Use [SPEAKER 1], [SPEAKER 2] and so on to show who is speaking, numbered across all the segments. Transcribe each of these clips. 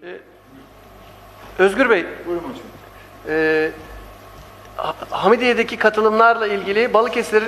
[SPEAKER 1] Özgür Bey,
[SPEAKER 2] Buyurun hocam.
[SPEAKER 1] Hamidiye'deki katılımlarla ilgili Balıkesir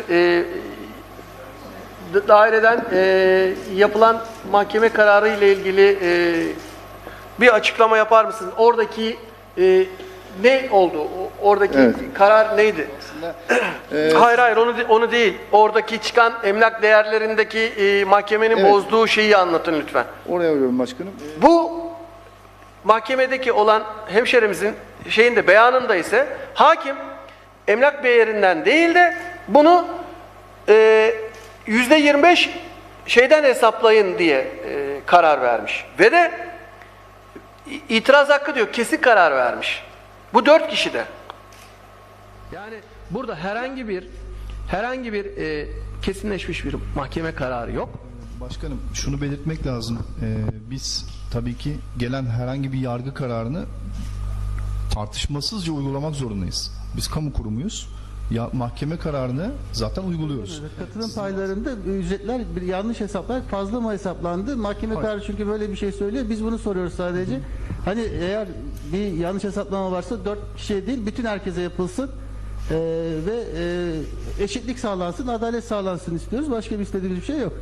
[SPEAKER 1] daireden yapılan mahkeme kararı ile ilgili bir açıklama yapar mısınız? Oradaki ne oldu? Oradaki
[SPEAKER 2] Evet.
[SPEAKER 1] karar neydi?
[SPEAKER 2] Aslında,
[SPEAKER 1] Hayır onu değil. Oradaki çıkan emlak değerlerindeki mahkemenin
[SPEAKER 2] Evet.
[SPEAKER 1] bozduğu şeyi anlatın lütfen.
[SPEAKER 2] oraya vuruyorum başkanım.
[SPEAKER 1] Bu mahkemedeki olan hemşerimizin şeyinde beyanında ise hakim emlak değerinden değil de bunu %25 şeyden hesaplayın diye karar vermiş. Ve de itiraz hakkı diyor kesin karar vermiş. Bu 4 kişi de. Yani burada herhangi bir kesinleşmiş bir mahkeme kararı yok.
[SPEAKER 3] Başkanım şunu belirtmek lazım. Biz tabii ki gelen herhangi bir yargı kararını tartışmasızca uygulamak zorundayız. Biz kamu kurumuyuz. Ya, mahkeme kararını zaten uyguluyoruz.
[SPEAKER 4] Katılım paylarında ücretler yanlış hesaplar fazla mı hesaplandı? Mahkeme kararı çünkü böyle bir şey söylüyor. Biz bunu soruyoruz sadece. Hani eğer bir yanlış hesaplama varsa 4 kişiye değil bütün herkese yapılsın. Ve eşitlik sağlansın, adalet sağlansın istiyoruz. Başka bir istediğimiz bir şey yok.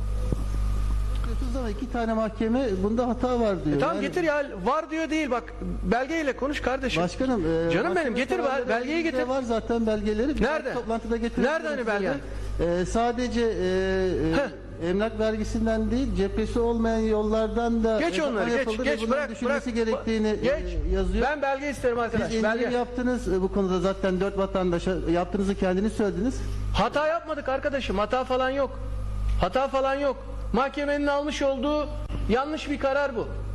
[SPEAKER 4] Ama 2 tane mahkeme bunda hata var diyor.
[SPEAKER 1] Tamam
[SPEAKER 4] Yani,
[SPEAKER 1] getir ya, var diyor değil, bak belgeyle konuş kardeşim.
[SPEAKER 4] Başkanım,
[SPEAKER 1] Canım benim,
[SPEAKER 4] mahkeme
[SPEAKER 1] getir
[SPEAKER 4] kararları
[SPEAKER 1] belgeyi
[SPEAKER 4] elimizde
[SPEAKER 1] getir.
[SPEAKER 4] var zaten belgeleri. Bir
[SPEAKER 1] Nerede?
[SPEAKER 4] Toplantıda getirdim.
[SPEAKER 1] Nerede hani belgen?
[SPEAKER 4] Sadece emlak vergisinden değil, cephesi olmayan yollardan da
[SPEAKER 1] Geç onları,
[SPEAKER 4] yapıldı ve
[SPEAKER 1] geç,
[SPEAKER 4] bunun
[SPEAKER 1] bırak,
[SPEAKER 4] düşünmesi
[SPEAKER 1] bırak.
[SPEAKER 4] gerektiğini
[SPEAKER 1] Geç.
[SPEAKER 4] yazıyor.
[SPEAKER 1] Ben belge isterim arkadaş.
[SPEAKER 4] Siz indirim
[SPEAKER 1] Belge.
[SPEAKER 4] yaptınız bu konuda zaten 4 vatandaşa yaptığınızı kendiniz söylediniz.
[SPEAKER 1] Hata yapmadık arkadaşım. Hata falan yok. Hata falan yok. Mahkemenin almış olduğu yanlış bir karar bu.